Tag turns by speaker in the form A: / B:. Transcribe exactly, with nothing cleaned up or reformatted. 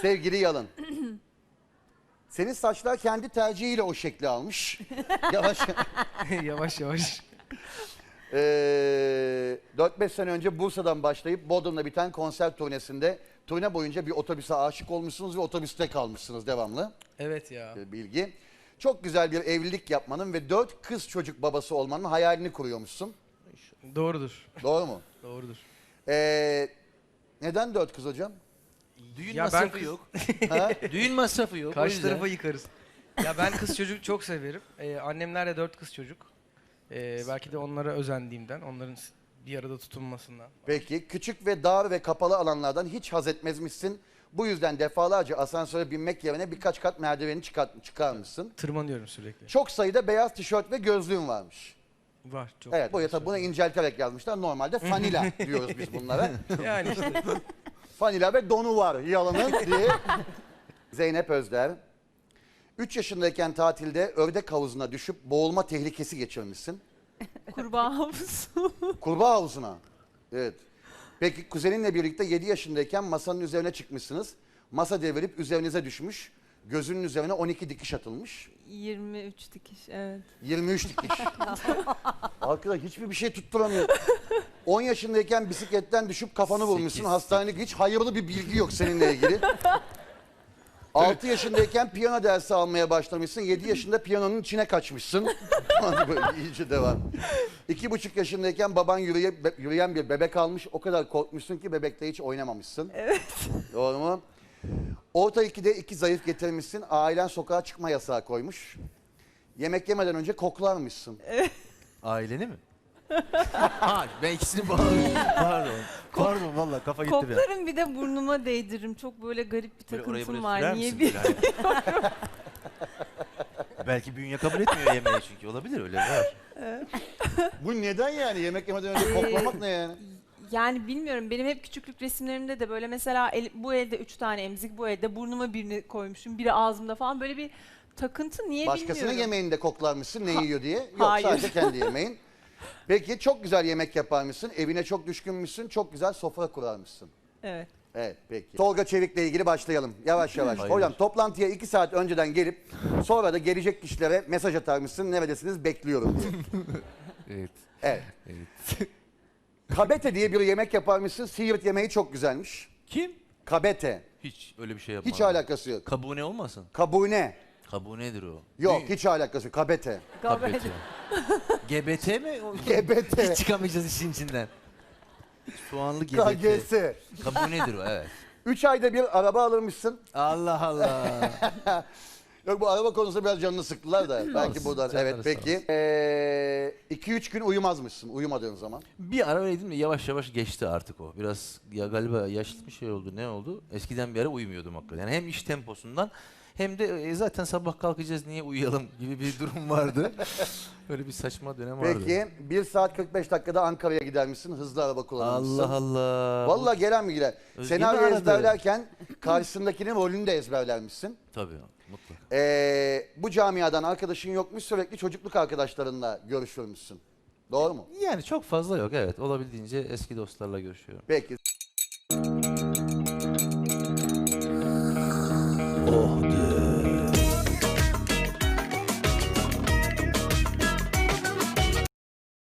A: Sevgili Yalın. Senin saçlar kendi tercihiyle o şekli almış. Yavaş.
B: Yavaş yavaş.
A: Ee, dört beş sene önce Bursa'dan başlayıp Bodrum'da biten konser turnesinde turne boyunca bir otobüse aşık olmuşsunuz ve otobüste kalmışsınız devamlı.
B: Evet ya.
A: Ee, bilgi. Çok güzel bir evlilik yapmanın ve dört kız çocuk babası olmanın hayalini kuruyormuşsun.
B: Doğrudur.
A: Doğru mu?
B: Doğrudur.
A: Ee, neden dört kız hocam?
C: Düğün
B: Ya ben
C: masrafı
B: kız-
C: yok.
A: Ha?
C: Düğün masrafı yok. o
B: Karşı
C: yüzden.
B: tarafa yıkarız. Ya ben kız çocuk çok severim. Ee, annemler de dört kız çocuk. Ee, belki de onlara özendiğimden, onların s- bir arada tutunmasından.
A: Peki küçük ve dar ve kapalı alanlardan hiç haz etmezmişsin. Bu yüzden defalarca asansöre binmek yerine birkaç kat merdiveni çıkart, çıkarmışsın.
B: Tırmanıyorum sürekli.
A: Çok sayıda beyaz tişört ve gözlüğün varmış.
B: Var çok.
A: Evet, buraya tabii bunu incelterek yazmışlar. Normalde fanila diyoruz biz bunlara.
B: Yani işte.
A: Fanila ve donu var Yalın'ın diye. Zeynep Özder. üç yaşındayken tatilde ördek havuzuna düşüp boğulma tehlikesi geçirmişsin.
D: Kurbağa havuzu.
A: Kurbağa havuzuna. Evet. Peki kuzeninle birlikte yedi yaşındayken masanın üzerine çıkmışsınız. Masa devrilip üzerinize düşmüş. Gözünün üzerine on iki dikiş atılmış.
D: yirmi üç dikiş, evet.
A: yirmi üç dikiş. Arkadaş hiçbir bir şey tutturamıyor. on yaşındayken bisikletten düşüp kafanı vurmuşsun.
C: Sekiz,
A: Hastanelik hiç hayırlı bir bilgi yok seninle ilgili. altı yaşındayken piyano dersi almaya başlamışsın. yedi yaşında piyanonun içine kaçmışsın. Böyle iyice devam. iki buçuk yaşındayken baban yürüye, be- yürüyen bir bebek almış. O kadar korkmuşsun ki bebekle hiç oynamamışsın.
D: Evet.
A: Doğru mu? Orta ikide iki zayıf getirmişsin. Ailen sokağa çıkma yasağı koymuş. Yemek yemeden önce koklarmışsın.
C: Aileni mi? ha, ben ikisini bağlıyorum. Pardon. Pardon valla kafa gitti bir an.
D: Koklarım, bir de burnuma değdiririm. Çok böyle garip bir
C: Böyle oraya
D: takıntım
C: buraya sürer
D: var. Niye
C: misin
D: bir...
C: böyle hani? Belki bünye kabul etmiyor yemeği çünkü olabilir öyle var.
A: Bu neden yani? Yemek yemeden önce koklamak ne yani?
D: Yani bilmiyorum, benim hep küçüklük resimlerimde de böyle mesela el- bu elde üç tane emzik, bu elde burnuma birini koymuşum, biri ağzımda falan, böyle bir takıntı, niye
A: Başkasının
D: bilmiyorum.
A: yemeğinde koklarmışsın ne
D: Ha-
A: yiyor diye. Yok
D: hayır.
A: sadece kendi yemeğin. Peki çok güzel yemek yaparmışsın. Evine çok düşkünmüşsün. Çok güzel sofra kurarmışsın.
D: Evet.
A: Evet peki. Tolga Çevik'le ilgili başlayalım. Yavaş yavaş.
C: Hayırdır?
A: Hocam toplantıya iki saat önceden gelip sonra da gelecek kişilere mesaj atarmışsın. Neredesiniz bekliyorum diye.
C: Evet.
A: Evet.
C: Evet.
A: Kabete diye bir yemek yaparmışsın. Siirt yemeği çok güzelmiş.
C: Kim?
A: Kabete.
C: Hiç öyle bir şey yapmadım.
A: Hiç alakası yok.
C: Kabune olmasın?
A: Kabune.
C: Kabunedir o.
A: Yok
C: Ne?
A: hiç alakası yok. Kabete.
C: Kabete. G B T mi? O-
A: Gebete.
C: Hiç çıkamayacağız işin içinden. Soğanlı G B T.
A: K G S.
C: Kabunedir o evet.
A: Üç ayda bir araba alırmışsın.
C: Allah Allah.
A: Yok bu araba konusunda biraz canını sıktılar da. Belki
C: Olsun,
A: buradan.
C: canları
A: Evet
C: sağ
A: peki. Ee, iki üç gün uyumazmışsın uyumadığın zaman.
C: Bir ara öyleydim de yavaş yavaş geçti artık o. Biraz ya galiba yaşlı bir şey oldu ne oldu? Eskiden bir ara uyumuyordum hakikaten. Yani hem iş temposundan hem de e, zaten sabah kalkacağız niye uyuyalım gibi bir durum vardı. Böyle bir saçma dönem vardı.
A: Peki bir saat kırk beş dakikada Ankara'ya gidermişsin. Hızlı araba kullanmışsın.
C: Allah Allah.
A: Vallahi gelen mi gider?
C: Özge mi
A: Senaryo
C: aradı?
A: ezberlerken karşısındakinin rolünü de ezberlermişsin.
C: Tabii mutlaka.
A: Ee, bu camiadan arkadaşın yokmuş, sürekli çocukluk arkadaşlarınla görüşürmüşsün. Doğru mu?
C: Yani çok fazla yok evet. Olabildiğince eski dostlarla görüşüyorum.
A: Peki.